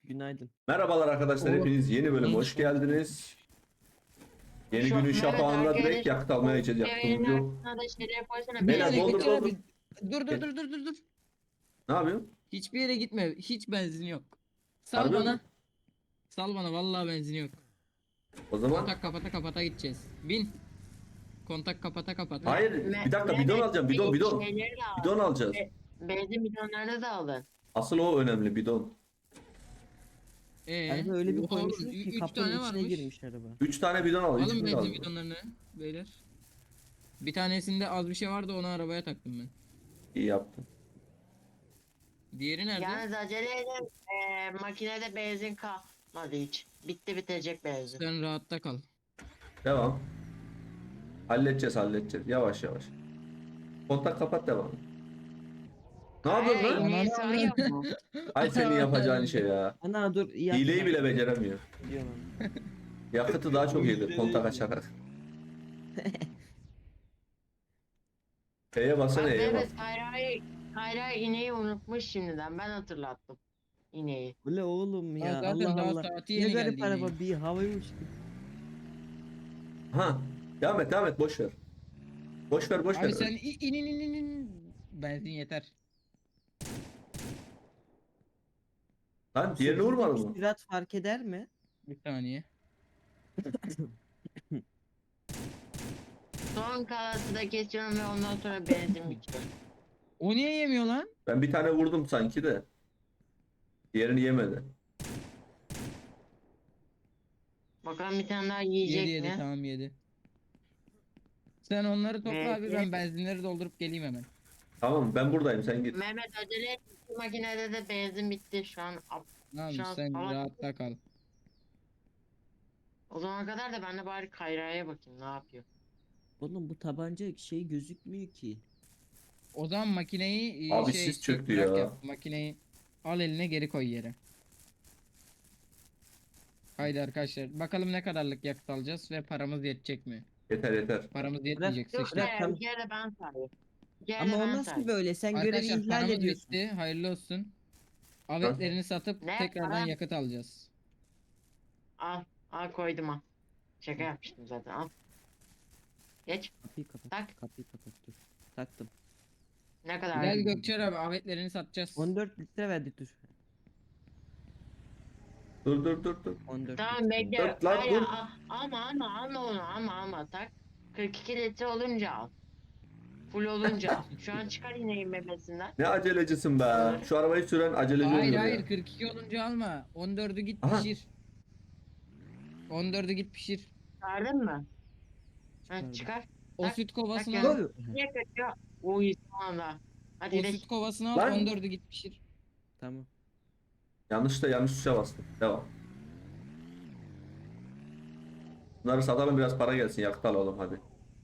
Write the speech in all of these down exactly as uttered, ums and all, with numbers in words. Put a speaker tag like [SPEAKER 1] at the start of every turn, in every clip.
[SPEAKER 1] Günaydın.
[SPEAKER 2] Merhabalar arkadaşlar,
[SPEAKER 3] Oo.
[SPEAKER 2] hepiniz yeni bölüme hoş geldiniz. Yeni
[SPEAKER 4] Şu-
[SPEAKER 2] günün
[SPEAKER 4] evet,
[SPEAKER 2] şafağında
[SPEAKER 4] herkes-
[SPEAKER 2] direkt yakıt almaya gideceğiz. Yaktığımız yok.
[SPEAKER 4] Yayının da şeyler koysana.
[SPEAKER 3] Bir
[SPEAKER 2] Beyler,
[SPEAKER 3] yere
[SPEAKER 2] doldur,
[SPEAKER 3] gitme
[SPEAKER 2] doldur.
[SPEAKER 3] abi. Dur dur dur dur dur dur.
[SPEAKER 2] Ne yapıyorsun?
[SPEAKER 3] Hiçbir yere gitme. Hiç benzin yok. Sal
[SPEAKER 2] Harbi
[SPEAKER 3] bana.
[SPEAKER 2] mi?
[SPEAKER 3] Sal bana vallahi benzin yok.
[SPEAKER 2] O zaman
[SPEAKER 3] Kontak kapata kapata gideceğiz. Bin. Kontak kapata kapata.
[SPEAKER 2] hayır,
[SPEAKER 4] Me-
[SPEAKER 2] bir dakika,
[SPEAKER 4] Mehmet,
[SPEAKER 2] bidon alacağım, bidon, bidon.
[SPEAKER 4] Şeyleri de al.
[SPEAKER 2] Bidon alacağız.
[SPEAKER 4] Be- Benzin bidonlarını da alın.
[SPEAKER 2] Asıl o önemli, bidon.
[SPEAKER 3] Ee,
[SPEAKER 1] Araba öyle bir
[SPEAKER 3] oha,
[SPEAKER 1] koymuşsunuz
[SPEAKER 3] ü-
[SPEAKER 1] ki
[SPEAKER 3] üç
[SPEAKER 1] kapının
[SPEAKER 3] tane
[SPEAKER 1] içine
[SPEAKER 3] varmış.
[SPEAKER 1] girmiş araba.
[SPEAKER 2] Üç tane bidon al.
[SPEAKER 3] Alın
[SPEAKER 2] hiçbirini
[SPEAKER 3] benzin
[SPEAKER 2] alma.
[SPEAKER 3] bidonlarını beyler. Bir tanesinde az bir şey vardı, onu arabaya taktım ben.
[SPEAKER 2] İyi yaptın.
[SPEAKER 3] Diğeri nerede?
[SPEAKER 4] Yalnız acele edin. Ee, makinede benzin kalmadı hiç. Bitti bitecek benzin.
[SPEAKER 3] Sen rahatta kal.
[SPEAKER 2] Devam. Halledeceğiz, halledeceğiz. Yavaş yavaş. Kontak kapat, devam. Ne yapıyorsun
[SPEAKER 4] Hey,
[SPEAKER 2] lan?
[SPEAKER 4] ineği
[SPEAKER 3] Ananı
[SPEAKER 4] sağıyor mu?
[SPEAKER 2] Ay, senin yapacağın şey ya.
[SPEAKER 1] Ana dur iyi
[SPEAKER 2] Hileyi
[SPEAKER 1] yaptın.
[SPEAKER 2] bile beceremiyor.
[SPEAKER 1] Diyorum.
[SPEAKER 2] Yakıtı daha çok yedir kontak açarak. E'ye basana,
[SPEAKER 4] Bak
[SPEAKER 2] E'ye bas.
[SPEAKER 4] Mehmet Kayra'yı Kayra ineği unutmuş şimdiden. Ben hatırlattım. İneği.
[SPEAKER 1] Bu ne oğlum ya,
[SPEAKER 3] Ya zaten
[SPEAKER 1] Allah
[SPEAKER 3] daha
[SPEAKER 1] Allah.
[SPEAKER 3] saati
[SPEAKER 1] Ne
[SPEAKER 3] yeni
[SPEAKER 1] garip
[SPEAKER 3] geldi
[SPEAKER 1] araba,
[SPEAKER 3] yine.
[SPEAKER 1] bir havayı uçtu.
[SPEAKER 2] Ha. Devam et, devam et, boş ver. Boş ver, boş ver.
[SPEAKER 3] Abi sen i- in in in in in. Benzin yeter.
[SPEAKER 2] Lan diğerini vurmadın mı?
[SPEAKER 1] Sürat fark eder mi?
[SPEAKER 3] Bir saniye.
[SPEAKER 4] Son kalası da kesiyorum ve ondan sonra benzin bitiyor.
[SPEAKER 3] O niye yemiyor lan?
[SPEAKER 2] Ben bir tane vurdum sanki de. Diğerini yemedi.
[SPEAKER 4] Bakalım bir tane daha
[SPEAKER 3] Yedi
[SPEAKER 4] yiyecek
[SPEAKER 3] yedi
[SPEAKER 4] mi?
[SPEAKER 3] tamam yedi. Sen onları topla
[SPEAKER 4] Evet,
[SPEAKER 3] abi,
[SPEAKER 4] evet.
[SPEAKER 3] ben benzinleri doldurup geleyim hemen.
[SPEAKER 2] Tamam, ben buradayım, sen git.
[SPEAKER 4] Mehmet acele et. Bu makinede de benzin bitti şu an. Ap-
[SPEAKER 3] Tamam
[SPEAKER 4] Şu an
[SPEAKER 3] sen
[SPEAKER 4] hava-
[SPEAKER 3] rahatta kal.
[SPEAKER 4] O zamana kadar da ben de bari Kayra'ya bakayım ne yapıyor.
[SPEAKER 1] Oğlum bu tabanca şey gözükmüyor ki.
[SPEAKER 3] O zaman makineyi e,
[SPEAKER 2] Abi
[SPEAKER 3] şey
[SPEAKER 2] sis çöktü
[SPEAKER 3] bırak
[SPEAKER 2] ya.
[SPEAKER 3] Makineyi al eline, geri koy yere. Haydi arkadaşlar bakalım ne kadarlık yakıt alacağız ve paramız yetecek mi?
[SPEAKER 2] Yeter yeter.
[SPEAKER 3] Paramız yetmeyecek
[SPEAKER 4] Yok
[SPEAKER 3] sıçtık.
[SPEAKER 1] Bırak,
[SPEAKER 4] be,
[SPEAKER 1] tamam.
[SPEAKER 4] bir kere de ben sayayım. Bir kere
[SPEAKER 1] Ama
[SPEAKER 4] de
[SPEAKER 1] o
[SPEAKER 4] ben
[SPEAKER 1] nasıl
[SPEAKER 4] sayayım.
[SPEAKER 1] böyle? Sen görevi
[SPEAKER 3] Arkadaşlar
[SPEAKER 1] ihlal
[SPEAKER 3] paramız
[SPEAKER 1] ediyorsun.
[SPEAKER 3] bitti, hayırlı olsun. Avetlerini satıp
[SPEAKER 4] Ne?
[SPEAKER 3] tekrardan
[SPEAKER 4] Para?
[SPEAKER 3] yakıt alacağız.
[SPEAKER 4] Al. Al koydum al. Şaka yapmıştım zaten al. Geç.
[SPEAKER 1] Kapıyı kapat.
[SPEAKER 4] Tak.
[SPEAKER 1] Kapıyı kapat dur. Taktım.
[SPEAKER 4] Ne kadar?
[SPEAKER 3] Gel Gökçer abi, avetlerini satacağız.
[SPEAKER 1] on dört litre verdi dur.
[SPEAKER 2] Dur dur dur dur.
[SPEAKER 1] on dört
[SPEAKER 4] Tamam
[SPEAKER 1] litre.
[SPEAKER 4] bekle.
[SPEAKER 2] Dört lan,
[SPEAKER 4] Hayır,
[SPEAKER 2] dur.
[SPEAKER 4] al- Alma alma alma onu alma alma tak. kırk iki litre olunca al. Full olunca al. Şu an çıkar ineğin memesinden.
[SPEAKER 2] Ne acelecisin be. Şu arabayı süren aceleci
[SPEAKER 3] Hayır
[SPEAKER 2] oluyor ya.
[SPEAKER 3] hayır, kırk iki olunca alma. on dördü git
[SPEAKER 2] Aha.
[SPEAKER 3] pişir. on dördü git pişir.
[SPEAKER 4] Çıkardın mı? Ha,
[SPEAKER 1] Çıkardım.
[SPEAKER 4] çıkar.
[SPEAKER 3] O
[SPEAKER 4] Tak,
[SPEAKER 3] süt kovasını
[SPEAKER 4] tak
[SPEAKER 3] al.
[SPEAKER 4] ya. Niye kaçıyor? Uy tamam da. Hadi
[SPEAKER 3] O
[SPEAKER 4] gidelim.
[SPEAKER 3] süt kovasını al,
[SPEAKER 2] Lan.
[SPEAKER 3] on dördü git pişir.
[SPEAKER 1] Tamam.
[SPEAKER 2] Yanlış da yanlış tuşa bastım. Devam. Bunları satalım, biraz para gelsin, yakıt alalım hadi.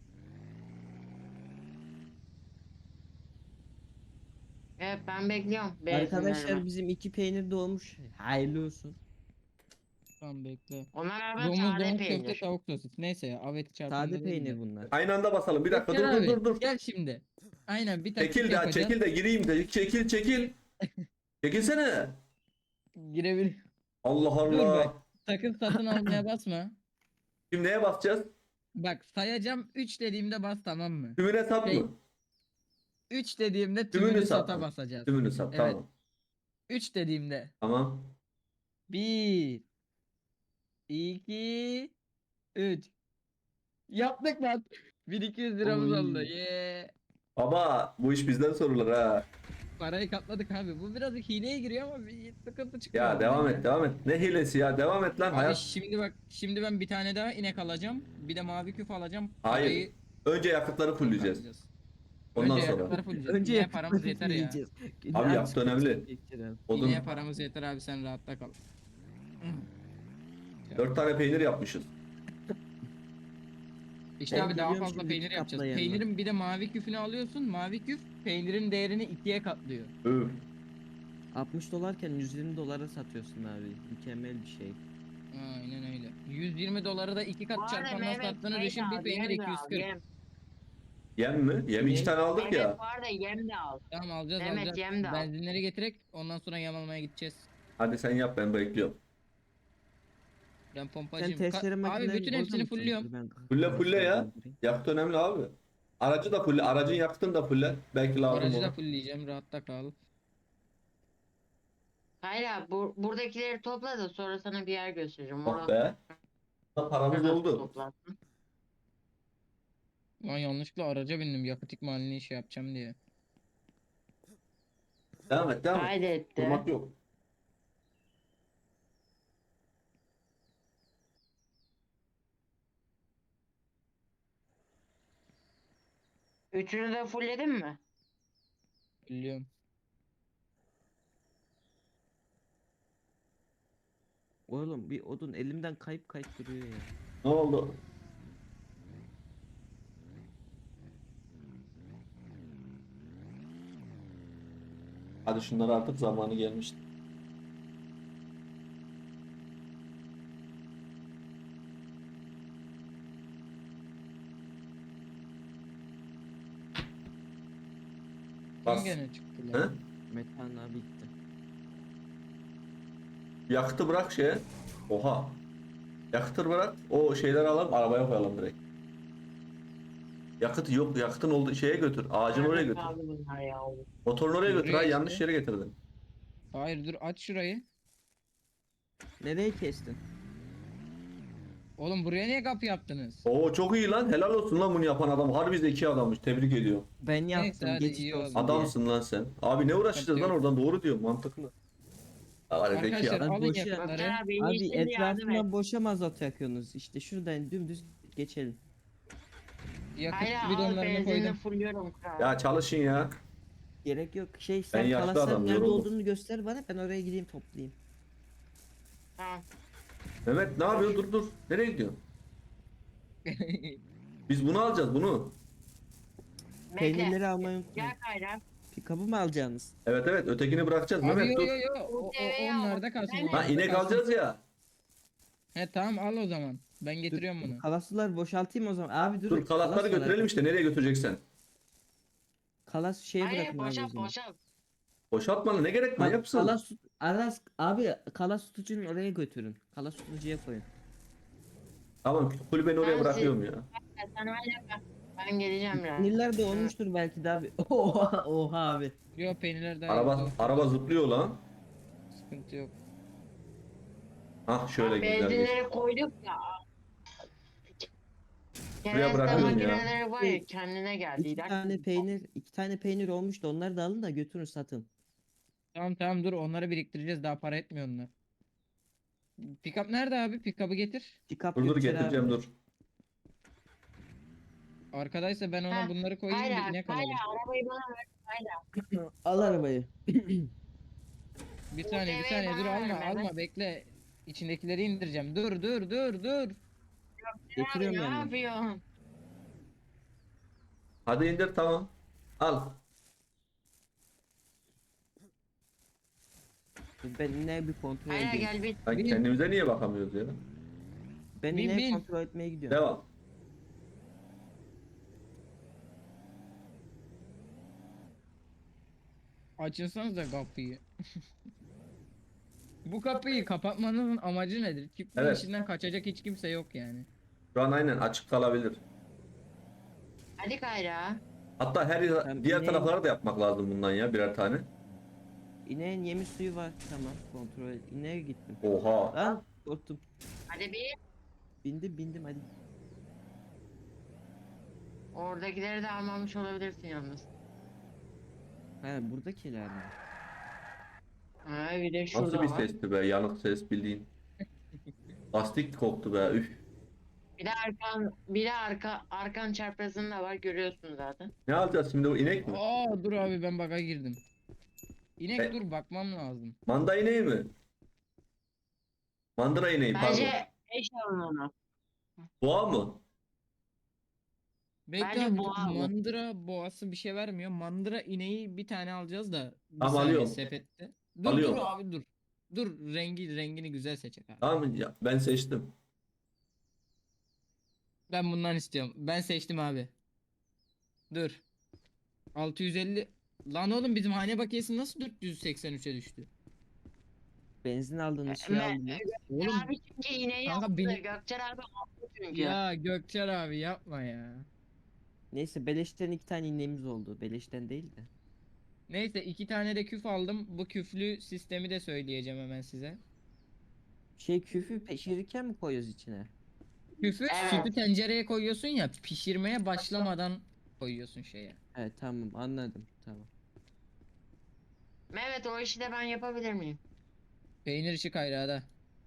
[SPEAKER 4] Evet ben bekliyorum.
[SPEAKER 1] Arkadaşlar
[SPEAKER 4] benzinlerimi.
[SPEAKER 1] bizim iki peynir doğmuş. Hayırlı olsun.
[SPEAKER 3] Tamam bekle.
[SPEAKER 4] Onlar araba
[SPEAKER 3] Domuz
[SPEAKER 4] sade
[SPEAKER 3] domuz köfte
[SPEAKER 4] peynir.
[SPEAKER 3] tavuk sosis. Neyse ya, aveti çarpında
[SPEAKER 1] Sade
[SPEAKER 3] değil de.
[SPEAKER 1] peynir bunlar.
[SPEAKER 2] Aynı anda basalım. Bir dakika, dur
[SPEAKER 3] Gökçer
[SPEAKER 2] dur
[SPEAKER 3] abi,
[SPEAKER 2] dur dur.
[SPEAKER 3] gel şimdi. Aynen bir taktik
[SPEAKER 2] Çekil de
[SPEAKER 3] yapacağız.
[SPEAKER 2] çekil de gireyim de. Çekil çekil. Çekilsene.
[SPEAKER 3] Girebilir.
[SPEAKER 2] Allah
[SPEAKER 3] Dur
[SPEAKER 2] Allah.
[SPEAKER 3] bak. Sakın satın almaya basma.
[SPEAKER 2] Şimdi neye basacağız?
[SPEAKER 3] Bak sayacağım, üç dediğimde bas, tamam mı?
[SPEAKER 2] Tümüne sat
[SPEAKER 3] Şey,
[SPEAKER 2] mı?
[SPEAKER 3] üç dediğimde
[SPEAKER 2] Tümünü
[SPEAKER 3] tümünü
[SPEAKER 2] sat
[SPEAKER 3] sata
[SPEAKER 2] mı?
[SPEAKER 3] basacağız.
[SPEAKER 2] Tümünü sat,
[SPEAKER 3] Evet.
[SPEAKER 2] tamam.
[SPEAKER 3] üç dediğimde.
[SPEAKER 2] Tamam.
[SPEAKER 3] bir iki üç. Yaptık lan. bin iki yüz liramız
[SPEAKER 1] Oy.
[SPEAKER 3] oldu. Yeah.
[SPEAKER 2] Baba bu iş bizden sorulur ha.
[SPEAKER 3] Parayı katladık abi. Bu biraz hileye giriyor ama bir sıkıntı çıkıyor.
[SPEAKER 2] Ya devam et devam et. Ne hilesi ya, devam et lan
[SPEAKER 3] Abi
[SPEAKER 2] hayat.
[SPEAKER 3] şimdi bak, şimdi ben bir tane daha inek alacağım. Bir de mavi küf alacağım.
[SPEAKER 2] Hayır.
[SPEAKER 3] Parayı
[SPEAKER 2] Önce yakıtları fullleyeceğiz.
[SPEAKER 3] katlayacağız.
[SPEAKER 2] Ondan
[SPEAKER 3] Önce
[SPEAKER 2] sonra.
[SPEAKER 3] yakıtları fullleyeceğiz.
[SPEAKER 1] Önce
[SPEAKER 3] İneğe paramız
[SPEAKER 1] yakıtları
[SPEAKER 3] yeter ya.
[SPEAKER 1] yiyeceğiz.
[SPEAKER 2] Abi
[SPEAKER 1] Az
[SPEAKER 2] yakıt önemli.
[SPEAKER 1] geçirelim.
[SPEAKER 2] Odun.
[SPEAKER 3] İneğe paramız yeter abi, sen rahatta kal.
[SPEAKER 2] Dört tane peynir yapmışız.
[SPEAKER 3] İşte
[SPEAKER 1] Ben
[SPEAKER 3] abi daha
[SPEAKER 1] biliyorum
[SPEAKER 3] fazla
[SPEAKER 1] şimdi,
[SPEAKER 3] peynir yapacağız.
[SPEAKER 1] katlayanı.
[SPEAKER 3] Peynirin bir de mavi küfünü alıyorsun. Mavi küf peynirin değerini ikiye katlıyor.
[SPEAKER 2] Öf.
[SPEAKER 1] altmış dolarken yüz yirmi dolara satıyorsun abi. Mükemmel bir şey.
[SPEAKER 3] Aynen öyle. yüz yirmi doları da iki
[SPEAKER 4] Bu
[SPEAKER 3] kat
[SPEAKER 4] arada
[SPEAKER 3] çarpandan
[SPEAKER 4] Mehmet
[SPEAKER 3] sattığını
[SPEAKER 4] şey de
[SPEAKER 3] düşün,
[SPEAKER 4] al,
[SPEAKER 3] bir peynir
[SPEAKER 4] yem de al,
[SPEAKER 3] iki yüz kırk.
[SPEAKER 4] yem.
[SPEAKER 2] Yem mi? Yem iki
[SPEAKER 1] Ne?
[SPEAKER 2] tane aldık
[SPEAKER 4] Mehmet
[SPEAKER 2] ya.
[SPEAKER 4] bu arada yem de al.
[SPEAKER 3] Tamam alacağız
[SPEAKER 4] Mehmet,
[SPEAKER 3] alacağız.
[SPEAKER 4] yem de al.
[SPEAKER 3] Benzinleri getirek ondan sonra yem almaya gideceğiz.
[SPEAKER 2] Hadi sen yap, ben bekliyorum.
[SPEAKER 3] Ben
[SPEAKER 1] Sen
[SPEAKER 3] pompacıyım.
[SPEAKER 1] testere
[SPEAKER 3] Ka- abi
[SPEAKER 1] makinelerini
[SPEAKER 3] bütün
[SPEAKER 1] boza
[SPEAKER 3] hepsini
[SPEAKER 1] mı
[SPEAKER 3] fullüyorum.
[SPEAKER 1] çalıştırıyorsun? Ben
[SPEAKER 2] Fulle
[SPEAKER 1] kafasına
[SPEAKER 2] fulle ya.
[SPEAKER 1] doldurayım.
[SPEAKER 2] Yakıt önemli abi. Aracı da fulle. Aracın yakıtını da fulle. Belki lazım
[SPEAKER 3] Aracı da
[SPEAKER 2] olur.
[SPEAKER 3] fullleyeceğim. Rahatta kal.
[SPEAKER 4] Hayır abi bu, buradakileri topla da sonra sana bir yer göstereceğim.
[SPEAKER 2] Oh
[SPEAKER 4] Orada
[SPEAKER 2] be. Paramız oldu.
[SPEAKER 4] toplarsın.
[SPEAKER 3] Lan yanlışlıkla araca bindim. Yakıt ikmalini şey yapacağım diye.
[SPEAKER 2] Devam et, devam et.
[SPEAKER 4] Kaydetti.
[SPEAKER 2] Durmak yok.
[SPEAKER 4] Üçünü de fullledin mi?
[SPEAKER 3] Biliyorum.
[SPEAKER 1] Oğlum bir odun elimden kayıp kayıp duruyor ya.
[SPEAKER 2] Ne oldu? Hadi şunları, artık zamanı gelmişti.
[SPEAKER 3] Kim
[SPEAKER 2] Bas.
[SPEAKER 3] gene çıktı
[SPEAKER 2] He?
[SPEAKER 3] lan?
[SPEAKER 1] Metan abi gitti.
[SPEAKER 2] Yakıtı bırak şeye. Oha. Yakıtı bırak. O şeyleri alalım, arabaya koyalım direkt. Yakıt yok. Yakıtın olduğu şeye götür. Ağacın oraya
[SPEAKER 4] Nerede
[SPEAKER 2] götür.
[SPEAKER 4] kaldı bunlar ya?
[SPEAKER 2] Motorunu oraya götür.
[SPEAKER 3] Buraya
[SPEAKER 2] Ha,
[SPEAKER 3] işte.
[SPEAKER 2] yanlış yere getirdin.
[SPEAKER 3] Hayır dur aç şurayı.
[SPEAKER 1] Nereye kestin?
[SPEAKER 3] Oğlum buraya niye kapı yaptınız?
[SPEAKER 2] Oo, çok iyi lan. Helal olsun lan bunu yapan adam. Harbi zeki adammış. Tebrik ediyorum.
[SPEAKER 1] Ben yaptım
[SPEAKER 3] hadi
[SPEAKER 1] geçit
[SPEAKER 3] iyi
[SPEAKER 1] olsun
[SPEAKER 3] oldu.
[SPEAKER 1] diye.
[SPEAKER 2] Adamsın lan sen. Abi ne uğraşacağız lan
[SPEAKER 3] yok.
[SPEAKER 2] oradan, doğru diyor, mantıklı. Ya var ya, zeki
[SPEAKER 3] Arkadaşlar
[SPEAKER 2] adam.
[SPEAKER 1] Abi
[SPEAKER 3] alın
[SPEAKER 1] boşa-
[SPEAKER 3] yakıtları.
[SPEAKER 4] Ya beni
[SPEAKER 1] Abi
[SPEAKER 4] şimdi yardım et.
[SPEAKER 1] etrafından boşa mazot yakıyorsunuz. İşte şuradan dümdüz geçelim.
[SPEAKER 3] Yakıt
[SPEAKER 4] Hayır al
[SPEAKER 3] bidonlarını
[SPEAKER 4] benzinini
[SPEAKER 3] koydum.
[SPEAKER 4] fulluyorum kral.
[SPEAKER 2] Ya çalışın ya.
[SPEAKER 1] Gerek yok. Şey sen
[SPEAKER 2] yaşlı
[SPEAKER 1] kalasların
[SPEAKER 2] adam,
[SPEAKER 1] nerede
[SPEAKER 2] yoruldum.
[SPEAKER 1] olduğunu göster bana, ben oraya gideyim toplayayım.
[SPEAKER 4] Tamam.
[SPEAKER 2] Mehmet ne yapıyorsun? Dur dur. Nereye gidiyorsun? Biz bunu alacağız, bunu.
[SPEAKER 4] Bekle.
[SPEAKER 1] Peynirleri almayı unutmayın.
[SPEAKER 4] Gel Kayra.
[SPEAKER 1] Pikabı mı alacaksınız?
[SPEAKER 2] Evet evet, ötekini bırakacağız.
[SPEAKER 3] Abi
[SPEAKER 2] Mehmet
[SPEAKER 3] yo
[SPEAKER 2] dur.
[SPEAKER 3] yo yo. O, o,
[SPEAKER 4] Tereyağı.
[SPEAKER 3] onlarda kalsın.
[SPEAKER 4] Ben-
[SPEAKER 2] Ha,
[SPEAKER 3] onlarda
[SPEAKER 2] inek
[SPEAKER 3] kalsın.
[SPEAKER 2] alacağız ya.
[SPEAKER 3] He tamam al o zaman. Ben getiriyorum bunu.
[SPEAKER 1] Kalaslar boşaltayım o zaman. Abi dur.
[SPEAKER 2] Dur, kalasları
[SPEAKER 1] kalas var
[SPEAKER 2] götürelim
[SPEAKER 1] abi.
[SPEAKER 2] işte, nereye götüreceksen.
[SPEAKER 1] Kalas şeye
[SPEAKER 4] Hayır
[SPEAKER 1] bırakın abi o
[SPEAKER 4] boşalt
[SPEAKER 1] zaman.
[SPEAKER 4] boşalt.
[SPEAKER 2] Boşaltmana ne gerek var,
[SPEAKER 1] Bak,
[SPEAKER 2] yapsın.
[SPEAKER 1] kalas tut, aras, abi kalas tutucunu oraya götürün. Kalas tutucuya koyun.
[SPEAKER 2] Tamam, kulübeni oraya
[SPEAKER 4] Ben
[SPEAKER 2] bırakıyorum ya.
[SPEAKER 4] Sen hala bak. Ben geleceğim biraz.
[SPEAKER 1] Sinirler de olmuştur belki de abi. Oha, oha abi.
[SPEAKER 3] Yo peynirler daha
[SPEAKER 2] Araba
[SPEAKER 3] yok.
[SPEAKER 2] araba zıplıyor lan.
[SPEAKER 3] Sıkıntı yok.
[SPEAKER 2] Hah, şöyle güzel geç.
[SPEAKER 4] Benzinleri koyduk ya.
[SPEAKER 2] Buraya
[SPEAKER 4] Kereste
[SPEAKER 2] bırakıyorum ya.
[SPEAKER 4] makineleri var ya kendine geldi.
[SPEAKER 1] İki
[SPEAKER 4] İlaç-
[SPEAKER 1] tane peynir, iki tane peynir olmuş da onları da alın da götürün satın.
[SPEAKER 3] Tamam tamam dur onları biriktireceğiz daha para etmiyor onlar. Pickup nerede abi? Pickup'ı getir.
[SPEAKER 1] Pikap
[SPEAKER 2] Dur dur,
[SPEAKER 1] götür
[SPEAKER 2] getireceğim
[SPEAKER 1] abi.
[SPEAKER 2] dur.
[SPEAKER 3] Arkadaysa ben ona
[SPEAKER 4] Ha,
[SPEAKER 3] bunları koyayım
[SPEAKER 4] Kayra,
[SPEAKER 3] da inek
[SPEAKER 4] Kayra
[SPEAKER 3] alalım.
[SPEAKER 4] arabayı bana ver. Kayra.
[SPEAKER 1] Al arabayı.
[SPEAKER 3] Bir saniye bir
[SPEAKER 4] deveyi
[SPEAKER 3] saniye dur
[SPEAKER 4] bana
[SPEAKER 3] alma
[SPEAKER 4] ver,
[SPEAKER 3] alma
[SPEAKER 4] Mehmet.
[SPEAKER 3] bekle. İçindekileri indireceğim. Dur dur dur dur.
[SPEAKER 1] Getiriyorum
[SPEAKER 4] Ne
[SPEAKER 1] ben de.
[SPEAKER 4] yapıyorsun?
[SPEAKER 2] Hadi indir, tamam. Al.
[SPEAKER 1] Ben yine bir kontrol
[SPEAKER 4] Kayra
[SPEAKER 1] edeyim.
[SPEAKER 4] gel bir.
[SPEAKER 2] Lan
[SPEAKER 3] Bin.
[SPEAKER 2] kendimize niye bakamıyoruz ya?
[SPEAKER 1] Ben
[SPEAKER 3] Bin,
[SPEAKER 1] yine
[SPEAKER 3] bin.
[SPEAKER 1] kontrol etmeye gidiyorum.
[SPEAKER 2] Devam.
[SPEAKER 3] Açınsanız da kapıyı. Bu kapıyı kapatmanın amacı nedir? Çiftliğin
[SPEAKER 2] Evet.
[SPEAKER 3] içinden kaçacak hiç kimse yok yani.
[SPEAKER 2] Şu an aynen açık kalabilir.
[SPEAKER 4] Hadi Kayra.
[SPEAKER 2] Hatta her
[SPEAKER 1] Ben
[SPEAKER 2] diğer
[SPEAKER 1] ineğim.
[SPEAKER 2] taraflara da yapmak lazım bundan ya, birer tane.
[SPEAKER 1] İneğin yemi suyu var. Tamam, kontrol et. İneğe gittim.
[SPEAKER 2] Oha.
[SPEAKER 1] Lan korktum.
[SPEAKER 4] Hadi bir.
[SPEAKER 1] Bindim bindim hadi.
[SPEAKER 4] Oradakileri de almamış olabilirsin yalnız.
[SPEAKER 1] Ha, buradakiler mi?
[SPEAKER 4] Ha bir de şurada
[SPEAKER 2] Nasıl bir
[SPEAKER 4] var.
[SPEAKER 2] sesti be, yanık ses bildiğin. Lastik koktu be, üf.
[SPEAKER 4] Bir de arkan, bir de arka, arkan çarpazın da var görüyorsun zaten.
[SPEAKER 2] Ne alacağız şimdi, o inek mi?
[SPEAKER 3] Aa dur abi ben baka girdim. İnek
[SPEAKER 2] E-
[SPEAKER 3] dur bakmam lazım.
[SPEAKER 2] Manda ineği mi? Mandıra ineği, pardon.
[SPEAKER 4] Bence eş alın onu.
[SPEAKER 2] Boğa mı?
[SPEAKER 3] Bekle
[SPEAKER 4] Bence
[SPEAKER 3] abi,
[SPEAKER 4] boğa bu.
[SPEAKER 3] mandıra boğası bir şey vermiyor. Mandıra ineği bir tane alacağız da. Bir
[SPEAKER 2] Tamam,
[SPEAKER 3] saniye
[SPEAKER 2] alıyorum.
[SPEAKER 3] sepette. Dur
[SPEAKER 2] Alıyorum.
[SPEAKER 3] dur abi dur. Dur rengi rengini güzel seçecek abi.
[SPEAKER 2] Tamam ya, ben seçtim.
[SPEAKER 3] Ben bundan istiyorum. Ben seçtim abi. Dur. altı yüz elli. Lan oğlum bizim hane bakiyesi nasıl dört yüz seksen üçe düştü?
[SPEAKER 1] Benzin aldınız, şey
[SPEAKER 4] Me-
[SPEAKER 1] aldınız.
[SPEAKER 3] Oğlum
[SPEAKER 4] Abi çünkü iğneyi
[SPEAKER 3] kanka
[SPEAKER 4] yaptı.
[SPEAKER 3] benim-
[SPEAKER 4] Gökçen abi aldı çünkü.
[SPEAKER 3] ya Gökçer abi yapma ya.
[SPEAKER 1] Neyse beleşten iki tane ineğimiz oldu. Beleşten değil de.
[SPEAKER 3] Neyse iki tane de küf aldım. Bu küflü sistemi de söyleyeceğim hemen size.
[SPEAKER 1] Şey küfü pişirirken mi koyuyoruz içine?
[SPEAKER 3] Küfü
[SPEAKER 4] Evet.
[SPEAKER 3] sütü tencereye koyuyorsun ya, pişirmeye başlamadan koyuyorsun şeye.
[SPEAKER 1] Evet tamam anladım tamam.
[SPEAKER 4] Mehmet o işi de ben yapabilir miyim?
[SPEAKER 3] Peynir işi kayrağda.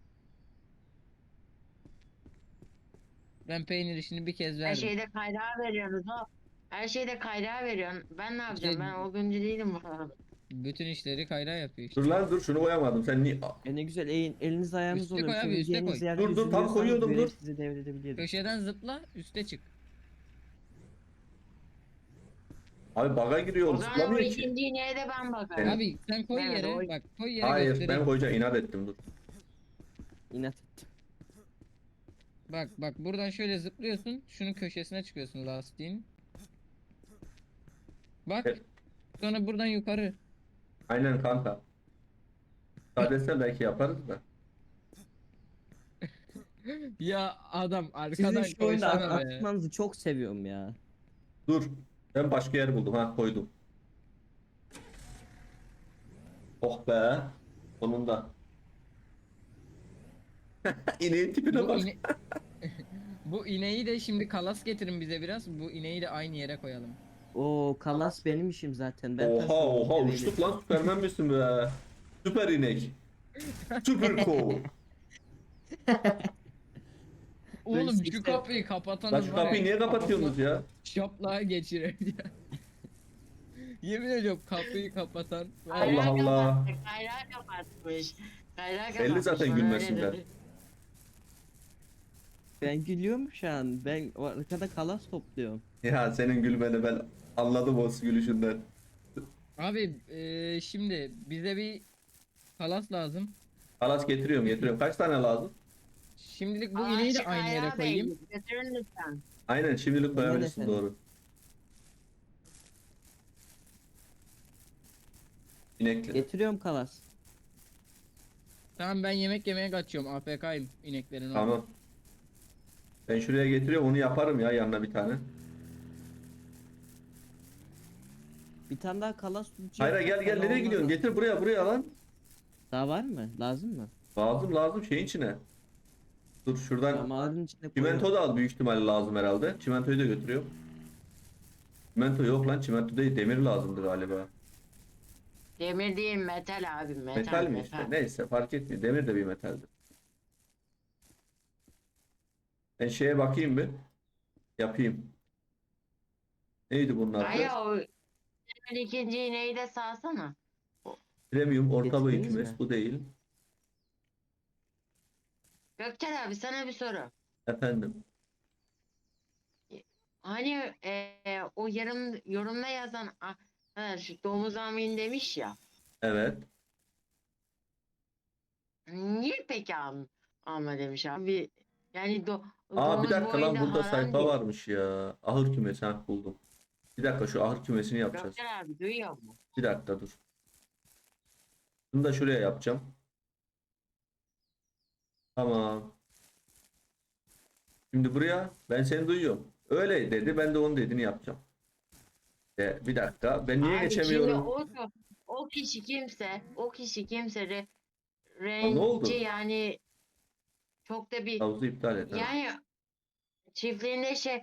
[SPEAKER 3] Ben peynir işini bir kez
[SPEAKER 4] Her
[SPEAKER 3] verdim.
[SPEAKER 4] şeyde kaynağı veriyorsunuz o. Her şeyde kaynağı veriyorsun. Ben ne yapacağım?
[SPEAKER 3] İşte-
[SPEAKER 4] Ben o güncü değilim bu arada.
[SPEAKER 3] Bütün işleri kayrağı yapıyor işte.
[SPEAKER 2] Dur lan dur şunu koyamadım. Sen niye...
[SPEAKER 1] E ne güzel elin, eliniz ayağınız
[SPEAKER 3] Üste
[SPEAKER 1] oluyor.
[SPEAKER 3] koy abi, üste
[SPEAKER 1] Söyleyeceğiniz
[SPEAKER 3] koy.
[SPEAKER 1] yerde
[SPEAKER 2] Dur, dur, tam
[SPEAKER 1] üzülüyorsanız
[SPEAKER 2] koyuyordum,
[SPEAKER 1] görev
[SPEAKER 2] dur.
[SPEAKER 1] sizi devredebilirim.
[SPEAKER 3] Köşeden zıpla, üste çık.
[SPEAKER 2] Abi baga giriyor
[SPEAKER 4] O
[SPEAKER 2] oğlum,
[SPEAKER 4] zaman o
[SPEAKER 2] zıplamıyor ki.
[SPEAKER 4] ikinci ineğe de ben bakarım.
[SPEAKER 3] Abi sen koy
[SPEAKER 4] Evet,
[SPEAKER 3] yere,
[SPEAKER 4] o-
[SPEAKER 3] bak koy yere
[SPEAKER 2] Hayır
[SPEAKER 3] göstereyim.
[SPEAKER 2] ben koyacağım, inat ettim dur.
[SPEAKER 1] İnat ettim.
[SPEAKER 3] Bak bak buradan şöyle zıplıyorsun, şunun köşesine çıkıyorsun lastiğin. Bak,
[SPEAKER 2] Evet.
[SPEAKER 3] sonra buradan yukarı.
[SPEAKER 2] Aynen kanka. Sadece belki yaparız da.
[SPEAKER 3] Ya adam
[SPEAKER 1] Sizin
[SPEAKER 3] arkadan
[SPEAKER 1] şu oyunda at-
[SPEAKER 3] koysana be.
[SPEAKER 1] atmanızı çok seviyorum ya.
[SPEAKER 2] Dur. Ben başka yer buldum ha, koydum. Oh be. Sonunda. İneğin tipine
[SPEAKER 3] Bu,
[SPEAKER 2] bak.
[SPEAKER 3] ine... Bu ineği de şimdi kalas getirin bize biraz. Bu ineği de aynı yere koyalım.
[SPEAKER 1] O kalas benim işim zaten. Ben
[SPEAKER 2] Oha
[SPEAKER 1] taşıyorum
[SPEAKER 2] oha
[SPEAKER 1] deveyle.
[SPEAKER 2] uçtuk lan, Süpermen misin be? Süper inek. Süper cool.
[SPEAKER 3] Oğlum şu
[SPEAKER 1] seksen
[SPEAKER 3] kapıyı kapatanız
[SPEAKER 2] Lan şu
[SPEAKER 3] var ya,
[SPEAKER 2] kapıyı niye kapatıyorsunuz
[SPEAKER 3] kafasına
[SPEAKER 2] ya?
[SPEAKER 3] Şaplığa geçirir ya. Yemin ediyorum kapıyı kapatan. var
[SPEAKER 2] Allah
[SPEAKER 3] ya.
[SPEAKER 4] Kayrağı
[SPEAKER 2] Allah.
[SPEAKER 4] kapattı, Kayrağı kapatmış. Kayrağı kapatmış.
[SPEAKER 2] Belli zaten
[SPEAKER 4] bana
[SPEAKER 2] gülmesinden.
[SPEAKER 4] öyle dedi.
[SPEAKER 1] Ben gülüyorum şu an. Ben o arkada kalas topluyorum.
[SPEAKER 2] Ya senin gülmeni ben anladım o gülüşünden.
[SPEAKER 3] Abi eee, şimdi bize bir kalas lazım.
[SPEAKER 2] Alas getiriyorum getiriyorum. Kaç tane lazım?
[SPEAKER 3] Şimdilik bu
[SPEAKER 4] Aa,
[SPEAKER 3] ineği de
[SPEAKER 4] şu
[SPEAKER 3] aynı yere
[SPEAKER 4] Kayrağı
[SPEAKER 3] koyayım.
[SPEAKER 4] Bey, Götürün lütfen.
[SPEAKER 2] Aynen şimdilik koyabilirsin,
[SPEAKER 1] efendim.
[SPEAKER 2] doğru. İnekli.
[SPEAKER 1] Getiriyorum kalas.
[SPEAKER 3] Tamam ben yemek yemeye kaçıyorum. A F K'yim ineklerin orada.
[SPEAKER 2] Tamam. Ben şuraya getiriyorum, onu yaparım ya yanına bir tane.
[SPEAKER 1] Bir tane daha kalas tutacağım.
[SPEAKER 2] Hayır gel gel, nereye gidiyorsun? Getir buraya buraya lan.
[SPEAKER 1] Daha var mı? Lazım mı?
[SPEAKER 2] Lazım lazım şeyin içine. Dur şuradan
[SPEAKER 1] Damarın içine
[SPEAKER 2] çimento
[SPEAKER 1] koyuyorum.
[SPEAKER 2] da al, büyük ihtimalle lazım herhalde. Çimentoyu da götürüyorum. Çimento yok lan, çimento değil, demir lazımdı galiba.
[SPEAKER 4] Demir değil metal abi metal.
[SPEAKER 2] Metal mi işte? Neyse fark etmiyor. Demir de bir metaldir. Ben şeye bakayım bir. Yapayım. Neydi bunlar?
[SPEAKER 4] Hayır o demir ikinci ineği de sağsana.
[SPEAKER 2] Premium orta boy
[SPEAKER 1] Getirdiniz
[SPEAKER 2] kümes,
[SPEAKER 1] mi?
[SPEAKER 2] bu değil.
[SPEAKER 4] Gökçen abi sana bir soru.
[SPEAKER 2] Efendim.
[SPEAKER 4] Hani e, o yarım yorumda yazan ah, ha, şu domuz amin demiş ya.
[SPEAKER 2] Evet.
[SPEAKER 4] Niye peki am, ama demiş abi. Yani do,
[SPEAKER 2] Aa bir
[SPEAKER 4] domuz
[SPEAKER 2] dakika lan,
[SPEAKER 4] boyunda
[SPEAKER 2] burada
[SPEAKER 4] haram
[SPEAKER 2] sayfa
[SPEAKER 4] değil.
[SPEAKER 2] varmış ya. Ahır kümesi, ha buldum. Bir dakika şu ahır kümesini yapacağız.
[SPEAKER 4] Gökçen abi duyuyor mu?
[SPEAKER 2] Bir dakika dur. Bunu da şuraya yapacağım. Tamam. Şimdi buraya ben seni duyuyorum. Öyle dedi, ben de onun dediğini yapacağım. E, bir dakika, ben niye
[SPEAKER 4] Abi
[SPEAKER 2] geçemiyorum?
[SPEAKER 4] Şimdi o, o kişi kimse, o kişi kimse re,
[SPEAKER 2] ne oldu?
[SPEAKER 4] renci yani çok da bir
[SPEAKER 2] Havuzu iptal et. ha.
[SPEAKER 4] yani çiftliğinde şey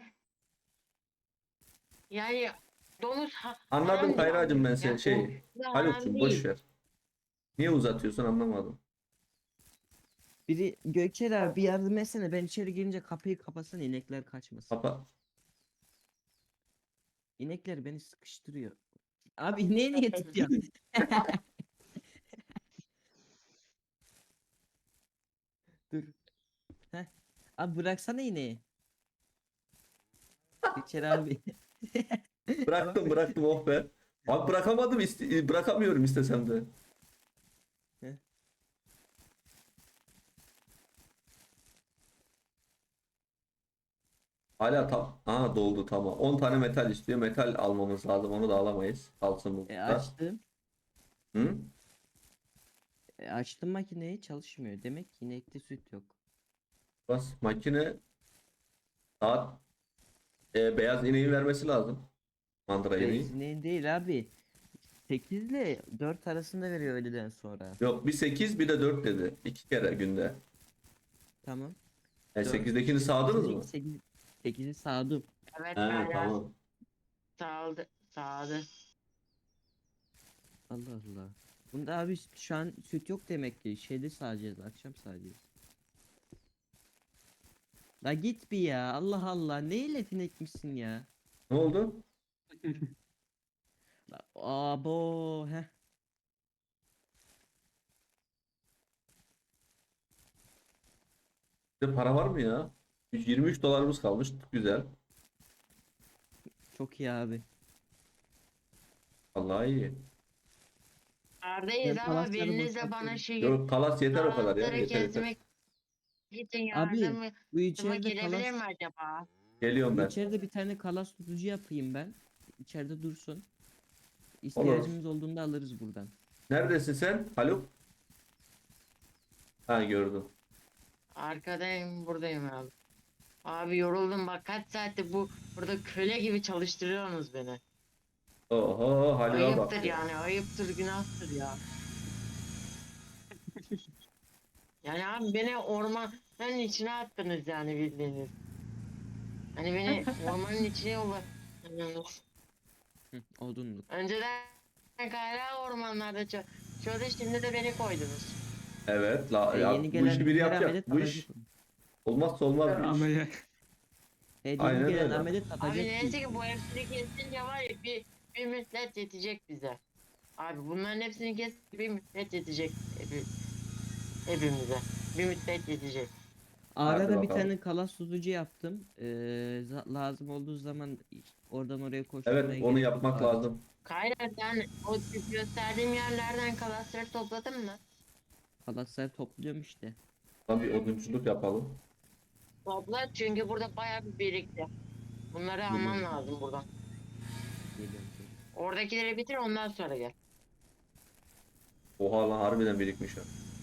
[SPEAKER 4] yani domuz ha,
[SPEAKER 2] Anladım
[SPEAKER 4] haram
[SPEAKER 2] Kayracığım, ben
[SPEAKER 4] yani.
[SPEAKER 2] seni
[SPEAKER 4] Yani
[SPEAKER 2] şey.
[SPEAKER 4] o da haram
[SPEAKER 2] Haluk'cum
[SPEAKER 4] değil.
[SPEAKER 2] boş ver. Niye uzatıyorsun anlamadım.
[SPEAKER 1] Biri Gökçer abi bir yardım etsene. Ben içeri girince kapıyı kapatsana inekler kaçmasın.
[SPEAKER 2] Kapa.
[SPEAKER 1] İnekler beni sıkıştırıyor. Abi ineği niye tutuyorsun? Dur. Heh. Abi bıraksana ineği. Gökçer abi.
[SPEAKER 2] Bıraktım bıraktım, oh be. Abi bırakamadım, iste- bırakamıyorum istesem de.
[SPEAKER 1] Heh.
[SPEAKER 2] Hala tam. Aha doldu, tamam. on tane metal istiyor. Metal almamız lazım. Onu da alamayız. Kalsın bu
[SPEAKER 1] E
[SPEAKER 2] burada.
[SPEAKER 1] açtım.
[SPEAKER 2] Hı?
[SPEAKER 1] E, açtım makineyi çalışmıyor. Demek ki inekte süt yok.
[SPEAKER 2] Bas makine saat e, beyaz ineği vermesi lazım. Mandıra ineği.
[SPEAKER 1] Benzinliğin değil abi. sekiz ile dört arasında veriyor öğleden sonra.
[SPEAKER 2] Yok bir sekiz bir de dört dedi. İki kere günde.
[SPEAKER 1] Tamam.
[SPEAKER 2] E,
[SPEAKER 1] Dört-
[SPEAKER 2] sekizdekini
[SPEAKER 1] işte
[SPEAKER 2] sağdınız mı?
[SPEAKER 1] sekiz sekizi sağdım.
[SPEAKER 4] Evet
[SPEAKER 2] He
[SPEAKER 4] Kayra.
[SPEAKER 2] tamam.
[SPEAKER 4] Sağdı. Sağdı.
[SPEAKER 1] Allah Allah. Bunda abi şu an süt yok demek ki. Şeyde sağacağız. Akşam sağacağız. La git bir ya. Allah Allah. Neyle finekmişsin ya?
[SPEAKER 2] Ne oldu?
[SPEAKER 1] La, abo. Heh.
[SPEAKER 2] Bizde para var mı ya? yirmi üç dolarımız kalmış. Güzel.
[SPEAKER 1] Çok iyi abi.
[SPEAKER 2] Vallahi iyi.
[SPEAKER 4] Neredeyiz
[SPEAKER 1] Ben
[SPEAKER 4] ama
[SPEAKER 1] palasları
[SPEAKER 4] birinizle bana
[SPEAKER 1] boşaltıyorum.
[SPEAKER 4] şey
[SPEAKER 2] Yok kalas yeter o kadar ya.
[SPEAKER 4] Kalasları
[SPEAKER 2] Yeter yeter.
[SPEAKER 4] kesmek için
[SPEAKER 1] Abi
[SPEAKER 4] yardımı
[SPEAKER 1] bu içeride
[SPEAKER 4] gelebilir
[SPEAKER 1] kalas,
[SPEAKER 4] mi acaba?
[SPEAKER 2] Geliyorum
[SPEAKER 1] bu
[SPEAKER 2] ben.
[SPEAKER 1] içeride bir tane kalas tutucu yapayım ben. İçeride dursun. İhtiyacımız olduğunda alırız buradan.
[SPEAKER 2] Neredesin sen? Haluk? Ha gördüm.
[SPEAKER 4] Arkadayım, buradayım abi. Abi yoruldum bak, kaç saattir bu burada köle gibi çalıştırıyorsunuz beni.
[SPEAKER 2] Oho Haluk'a bak.
[SPEAKER 4] Ayıptır
[SPEAKER 2] ya.
[SPEAKER 4] yani, ayıptır, günahtır ya. Yani abi beni ormanın içine attınız yani, bildiğiniz. Hani beni ormanın içine yolladınız.
[SPEAKER 1] Hı, odunluk.
[SPEAKER 4] Önceden kayra ormanlarda çalışıyordu, şimdi de beni koydunuz.
[SPEAKER 2] Evet la,
[SPEAKER 1] E,
[SPEAKER 2] ya,
[SPEAKER 1] yeni
[SPEAKER 2] bu
[SPEAKER 1] gelen
[SPEAKER 2] işi biri
[SPEAKER 1] her
[SPEAKER 2] yapacak.
[SPEAKER 1] amedet
[SPEAKER 2] Bu iş
[SPEAKER 1] atacak.
[SPEAKER 2] olmazsa olmaz bir iş.
[SPEAKER 3] Ameliyat.
[SPEAKER 1] Evet,
[SPEAKER 2] Aynen
[SPEAKER 1] yeni gelen
[SPEAKER 2] öyle.
[SPEAKER 1] amedet atacak.
[SPEAKER 4] Abi
[SPEAKER 1] bir
[SPEAKER 4] neyse
[SPEAKER 1] iş.
[SPEAKER 4] ki bu hepsini kesince var ya, bir, bir müddet yetecek bize. Abi bunların hepsini kes, bir müddet yetecek hepi- hepimize. Bir müddet yetecek.
[SPEAKER 2] Hadi
[SPEAKER 1] Arada bir
[SPEAKER 2] bakalım.
[SPEAKER 1] tane kalas tutucu yaptım. Ee, za- lazım olduğu zaman oradan oraya koşturmaya
[SPEAKER 2] Evet onu
[SPEAKER 1] gerek yok
[SPEAKER 2] yapmak
[SPEAKER 1] abi.
[SPEAKER 2] lazım.
[SPEAKER 4] Kayra, sen o gösterdiğim yerlerden kalasları topladın mı?
[SPEAKER 1] Kalasları topluyorum işte.
[SPEAKER 2] Lan bir odunculuk yapalım.
[SPEAKER 4] Topla, çünkü burada bayağı bir birikti. Bunları alman
[SPEAKER 1] Geliyorum.
[SPEAKER 4] lazım buradan.
[SPEAKER 1] Geliyorum.
[SPEAKER 4] Oradakileri bitir, ondan sonra gel.
[SPEAKER 2] Oha lan harbiden birikmiş ha.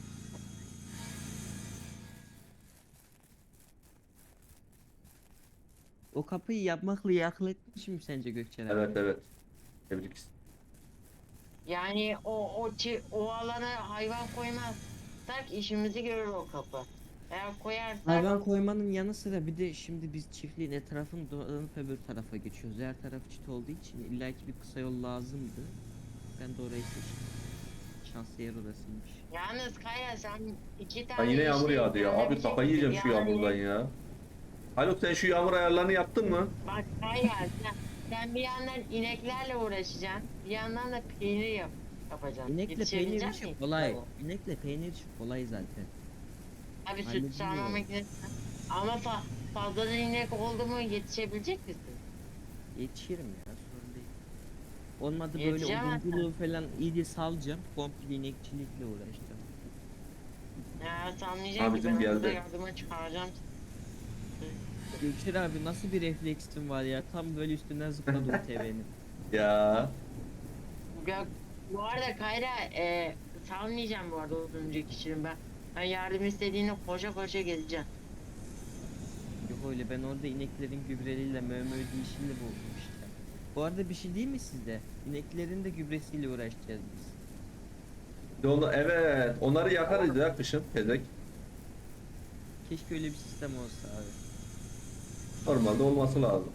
[SPEAKER 1] O kapıyı yapmakla iyi akıl etmişim sence Gökçen abi?
[SPEAKER 2] Evet evet. Tebrik.
[SPEAKER 4] Yani o o çi- o alana hayvan koymazsak işimizi görür o kapı. Eğer koyarsak
[SPEAKER 1] Hayvan koymanın yanı sıra bir de şimdi biz çiftliğin etrafını dolanıp öbür tarafa geçiyoruz. Her taraf çit olduğu için illaki bir kısa yol lazımdı. Ben de orayı seçtim. Şanslı yer orasıymış.
[SPEAKER 4] yalnız Kaya, sen iki
[SPEAKER 2] Lan
[SPEAKER 4] tane
[SPEAKER 2] yine yağmur
[SPEAKER 4] işi
[SPEAKER 2] yağdı ya. Abi
[SPEAKER 4] planlayabilecek
[SPEAKER 2] kafayı
[SPEAKER 4] misin?
[SPEAKER 2] yiyeceğim şu
[SPEAKER 4] Yani
[SPEAKER 2] yağmurdan ya. Haluk sen şu yağmur ayarlarını yaptın mı?
[SPEAKER 4] Bak Kaya, sen, sen bir yandan ineklerle uğraşacaksın, bir yandan da peynir yap, yapacaksın.
[SPEAKER 1] İnekle
[SPEAKER 4] Yetişebilecek
[SPEAKER 1] peynir
[SPEAKER 4] misin?
[SPEAKER 1] işi kolay. İnekle peynir işi kolay zaten.
[SPEAKER 4] Abi süt
[SPEAKER 1] Hallediliyor.
[SPEAKER 4] sağma makinesi. Ama fa fazladan inek oldu mu yetişebilecek misin?
[SPEAKER 1] Yetişirim ya sorun değil. Olmadı böyle
[SPEAKER 4] Yetişemezsin.
[SPEAKER 1] odunculuğu falan iyice salacağım. Komple inekçilikle uğraşacağım.
[SPEAKER 4] Ya sanmayacak ki
[SPEAKER 2] Abicim
[SPEAKER 4] ben
[SPEAKER 2] geldi.
[SPEAKER 4] burada yardıma çıkaracağım.
[SPEAKER 1] Gökçen abi nasıl bir refleksin var ya. Tam böyle üstünden zıpladı o T V'nin.
[SPEAKER 2] Ya.
[SPEAKER 4] Ya, bu arada Kayra, e, salmayacağım bu arada oduncu kişinin ben. Ben yardım istediğinde koşa koşa geleceğim.
[SPEAKER 1] Yok öyle ben orada ineklerin gübreleriyle mövmö işiyle buldum işte. Bu arada bir şey değil mi sizde? İneklerin de gübresiyle uğraşacağız biz.
[SPEAKER 2] Bir de Onu, evet. Onları yakarız ya kışın. Tezek.
[SPEAKER 1] Keşke öyle bir sistem olsa abi.
[SPEAKER 2] Normalde olması lazım.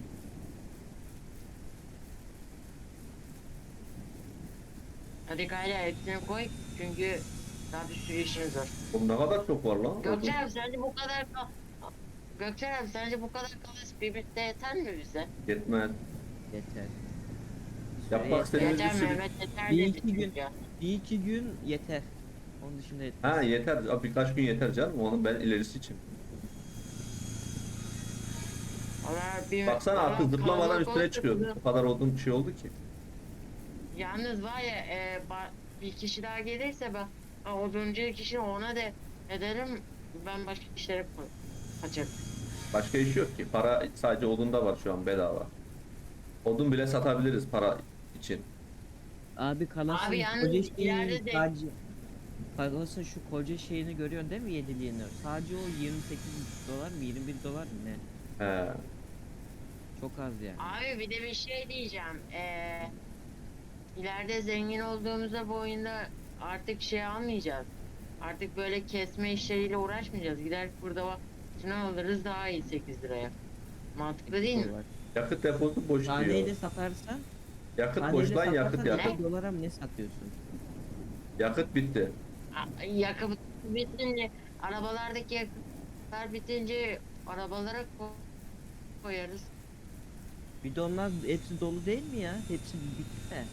[SPEAKER 4] Hadi Kayra, hepsini koy çünkü daha bir sürü işimiz var.
[SPEAKER 2] Oğlum ne kadar çok var lan.
[SPEAKER 4] Gökçen abi, sence bu kadar ka- Gökçen abi, sence bu kadar kalas birlikte yeter mi bize?
[SPEAKER 2] Yetmez.
[SPEAKER 1] Yeter.
[SPEAKER 2] Yapmak
[SPEAKER 1] Süre yeter.
[SPEAKER 2] istediğimiz bir
[SPEAKER 4] Yeter
[SPEAKER 2] sürü...
[SPEAKER 4] Mehmet, yeter
[SPEAKER 1] Bir
[SPEAKER 4] dedi
[SPEAKER 1] iki gün-
[SPEAKER 4] çünkü.
[SPEAKER 1] Bir iki gün yeter. Onun dışında yetmez.
[SPEAKER 2] Ha yeter. Abi Birkaç gün yeter canım. Onun ben ilerisi için.
[SPEAKER 4] Valla bir-
[SPEAKER 2] Baksana
[SPEAKER 4] valla
[SPEAKER 2] artık zıplamadan
[SPEAKER 4] kalabalık
[SPEAKER 2] üstüne
[SPEAKER 4] olursa
[SPEAKER 2] çıkıyor.
[SPEAKER 4] bunu-
[SPEAKER 2] O kadar olduğum bir şey oldu ki.
[SPEAKER 4] Yalnız var ya, e, ba- bir kişi daha gelirse ben, ben oduncu kişi ona da ederim, ben başka işlere ko- kaçarım.
[SPEAKER 2] Başka iş yok ki. Para sadece odunda var şu an bedava. Odun bile satabiliriz para için.
[SPEAKER 1] Abi kalasın
[SPEAKER 4] Abi yalnız
[SPEAKER 1] koca şeyi
[SPEAKER 4] ileride de-
[SPEAKER 1] sadece Parasın şu koca şeyini görüyorsun değil mi yediliğini? Sadece o yirmi sekiz dolar mı yirmi bir dolar mı ne?
[SPEAKER 2] He.
[SPEAKER 1] Çok az yani.
[SPEAKER 4] Abi bir de bir şey diyeceğim. Ee, ileride zengin olduğumuzda bu oyunda artık şey almayacağız. Artık böyle kesme işleriyle uğraşmayacağız. Gider burada bak şunu alırız daha iyi sekiz liraya. Mantıklı değil mi?
[SPEAKER 1] Dolar.
[SPEAKER 2] Yakıt deposu boş diyor.
[SPEAKER 1] Taneyle satarsan,
[SPEAKER 2] Yakıt
[SPEAKER 1] taneyle
[SPEAKER 2] boş lan, yakıt
[SPEAKER 1] satarsan
[SPEAKER 2] yakıt.
[SPEAKER 1] iki dolara mı ne satıyorsun?
[SPEAKER 2] Yakıt bitti.
[SPEAKER 4] A- Yakıt bitince arabalardaki yakıtlar bitince arabalara ko- koyarız.
[SPEAKER 1] Bir de onlar hepsi dolu değil mi ya? Hepsi bitti de.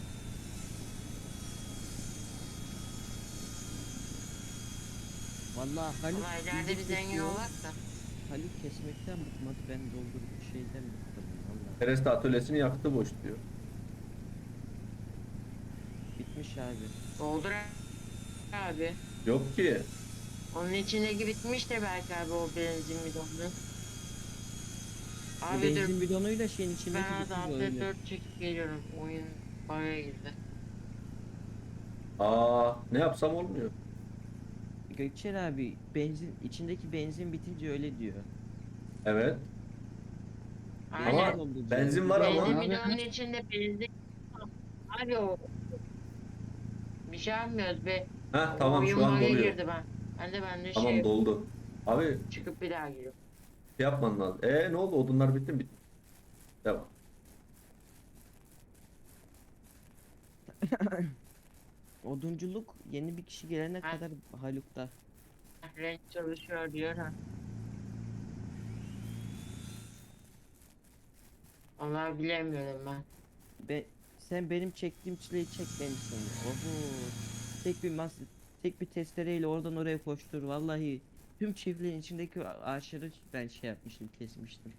[SPEAKER 1] Vallahi Haluk
[SPEAKER 4] Ama ileride bir
[SPEAKER 1] bizi
[SPEAKER 4] zengin
[SPEAKER 1] kesiyor.
[SPEAKER 4] olak da.
[SPEAKER 1] Haluk kesmekten bıkmadı, ben doldurup şeyden bıktım vallahi.
[SPEAKER 2] Pereste atölyesinin yakıtı boş diyor.
[SPEAKER 1] Bitmiş abi.
[SPEAKER 4] Doldur abi.
[SPEAKER 2] Yok ki.
[SPEAKER 4] Onun içindeki bitmiş de belki abi o benzin bidonu.
[SPEAKER 1] Bu
[SPEAKER 4] Abi dur
[SPEAKER 1] benzin bidonuyla şeyin içindeki
[SPEAKER 4] ben az
[SPEAKER 1] bitiyor
[SPEAKER 4] altı
[SPEAKER 1] öyle.
[SPEAKER 4] dört çekip geliyorum. Oyun bug'a girdi.
[SPEAKER 2] Aa, ne yapsam olmuyor.
[SPEAKER 1] Gökçen abi benzin içindeki benzin bitince öyle diyor.
[SPEAKER 2] Evet.
[SPEAKER 4] Aynen.
[SPEAKER 2] Ama
[SPEAKER 1] dolduracağız.
[SPEAKER 2] benzin var
[SPEAKER 4] Benzin
[SPEAKER 2] ama.
[SPEAKER 3] Abi-
[SPEAKER 4] bidonun içinde benzin. Abi o. Bir şey yapmıyoruz be.
[SPEAKER 2] Heh
[SPEAKER 4] O
[SPEAKER 2] tamam,
[SPEAKER 4] oyun
[SPEAKER 2] şu an
[SPEAKER 4] bug'a
[SPEAKER 2] doluyor.
[SPEAKER 4] girdi ben. Ben de ben de
[SPEAKER 2] Tamam,
[SPEAKER 4] şey
[SPEAKER 2] doldu. Abi
[SPEAKER 4] çıkıp bir daha giriyorum.
[SPEAKER 2] şey yapman lazım. E ne oldu? Odunlar bitti mi? Bitti. Devam.
[SPEAKER 1] Odunculuk yeni bir kişi gelene
[SPEAKER 4] Ha.
[SPEAKER 1] kadar Haluk'ta.
[SPEAKER 4] Renk çalışıyor diyor ha. Vallahi bilemiyorum ben.
[SPEAKER 1] Be sen benim çektiğim çileyi çek benimsin. Oho. Tek bir mas tek bir testereyle oradan oraya koştur. Vallahi tüm çiftliğin içindeki a- ağaçları ben şey yapmıştım, kesmiştim.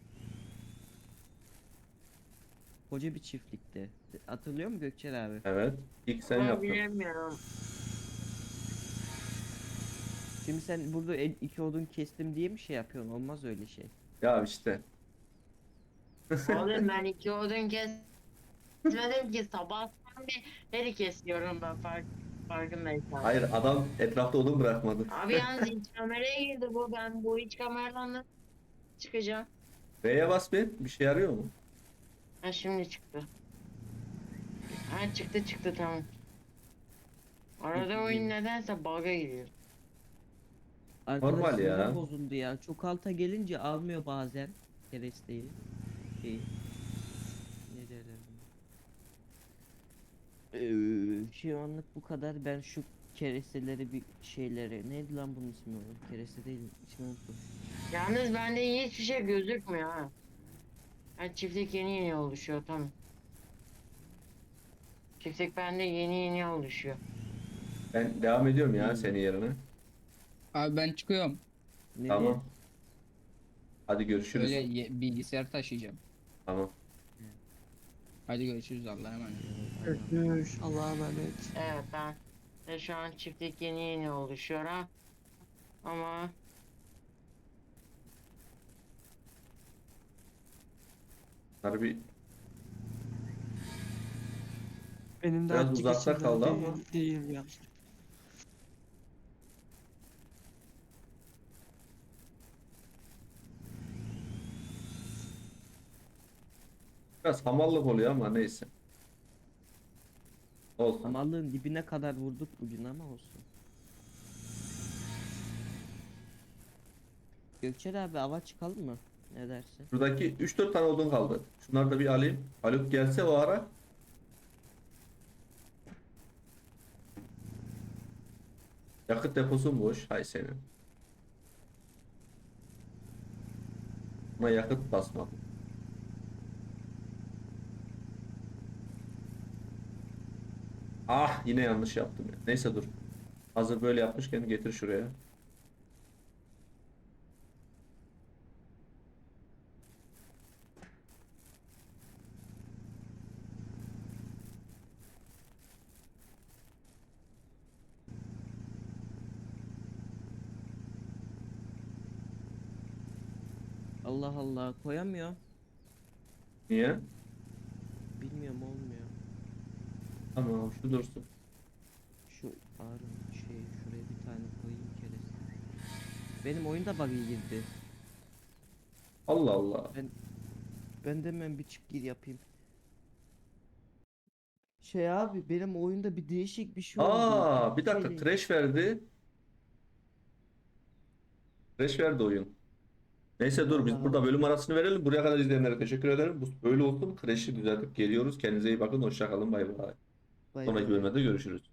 [SPEAKER 1] Koca bir çiftlikte. Hatırlıyor musun Gökçen abi?
[SPEAKER 2] Evet. İlk sen
[SPEAKER 4] Vallahi
[SPEAKER 2] yaptın.
[SPEAKER 4] bilemiyorum.
[SPEAKER 1] Şimdi sen burada el- iki odun kestim diye mi şey yapıyorsun? Olmaz öyle şey.
[SPEAKER 2] Ya işte.
[SPEAKER 4] Oğlum ben iki odun kesmedim ki sabahtan beri kesiyorum ben fark, farkındaysan.
[SPEAKER 2] Hayır, adam etrafta odun bırakmadı.
[SPEAKER 4] Abi yalnız iç kameraya girdi bu, ben bu iç kameradan nasıl çıkacağım?
[SPEAKER 2] V'ye bas bir. Bir şey yarıyor mu?
[SPEAKER 4] Ha şimdi çıktı. Ha çıktı çıktı tamam. Arada oyun nedense bug'a giriyor.
[SPEAKER 1] Arkadaş
[SPEAKER 2] Normal ya.
[SPEAKER 1] sinir bozuldu ya. Çok alta gelince almıyor bazen keresteyi. Şeyi. Ne derler buna? Ee, şu anlık bu kadar. Ben şu keresteleri bir şeyleri. Neydi lan bunun ismi oğlum? Kereste değil. İsmi unuttum.
[SPEAKER 4] Yalnız bende hiçbir şey gözükmüyor ha. Ha çiftlik yeni yeni oluşuyor tamam. Çiftlik bende yeni yeni oluşuyor.
[SPEAKER 2] Ben devam ediyorum ya
[SPEAKER 1] Hmm.
[SPEAKER 2] senin yerine.
[SPEAKER 3] Abi ben çıkıyorum.
[SPEAKER 1] Nereye?
[SPEAKER 2] Tamam. Hadi görüşürüz.
[SPEAKER 3] Öyle ye- bilgisayar taşıyacağım.
[SPEAKER 2] Tamam.
[SPEAKER 3] Hadi görüşürüz, Allah'a emanet.
[SPEAKER 5] Görüşürüz. Allah'a emanet.
[SPEAKER 4] Evet ben de şu an çiftlik yeni yeni oluşuyor ha. Ama
[SPEAKER 2] Harbi
[SPEAKER 5] Benim de
[SPEAKER 2] Biraz
[SPEAKER 5] artık
[SPEAKER 2] uzakta
[SPEAKER 5] içimden
[SPEAKER 2] kaldı
[SPEAKER 5] değil,
[SPEAKER 2] ama.
[SPEAKER 5] değil ya.
[SPEAKER 2] biraz hamallık oluyor ama neyse. Olsun.
[SPEAKER 1] Hamallığın dibine kadar vurduk bugün ama olsun. Gökçen abi ava çıkalım mı? Ne dersin?
[SPEAKER 2] Şuradaki üç dört tane odun kaldı. Şunları da bir alayım. Haluk gelse o ara. Yakıt deposu boş. Hay senin. Buna yakıt basmadım. Ah, yine yanlış yaptım ya. Neyse dur. Hazır böyle yapmışken getir şuraya.
[SPEAKER 1] Allah Allah koyamıyor.
[SPEAKER 2] Niye?
[SPEAKER 1] Bilmiyorum olmuyor.
[SPEAKER 2] Tamam, şu dursun.
[SPEAKER 1] Şu ağrım şey şuraya Benim oyunda bug'a girdi.
[SPEAKER 2] Allah Allah.
[SPEAKER 1] Ben de hemen bir çık gir yapayım. Şey abi benim oyunda bir değişik bir şey oldu.
[SPEAKER 2] Aa, bir dakika,
[SPEAKER 1] Şeyle-
[SPEAKER 2] crash verdi. Crash verdi oyun. Neyse dur, biz
[SPEAKER 1] Allah
[SPEAKER 2] burada
[SPEAKER 1] Allah.
[SPEAKER 2] bölüm arasını verelim. Buraya kadar izleyenlere teşekkür ederim. Bu böyle olsun. Crash'i düzeltip geliyoruz. Kendinize iyi bakın. Hoşça kalın. Bay bay.
[SPEAKER 1] Bay
[SPEAKER 2] Sonraki
[SPEAKER 1] bay.
[SPEAKER 2] bölümde görüşürüz.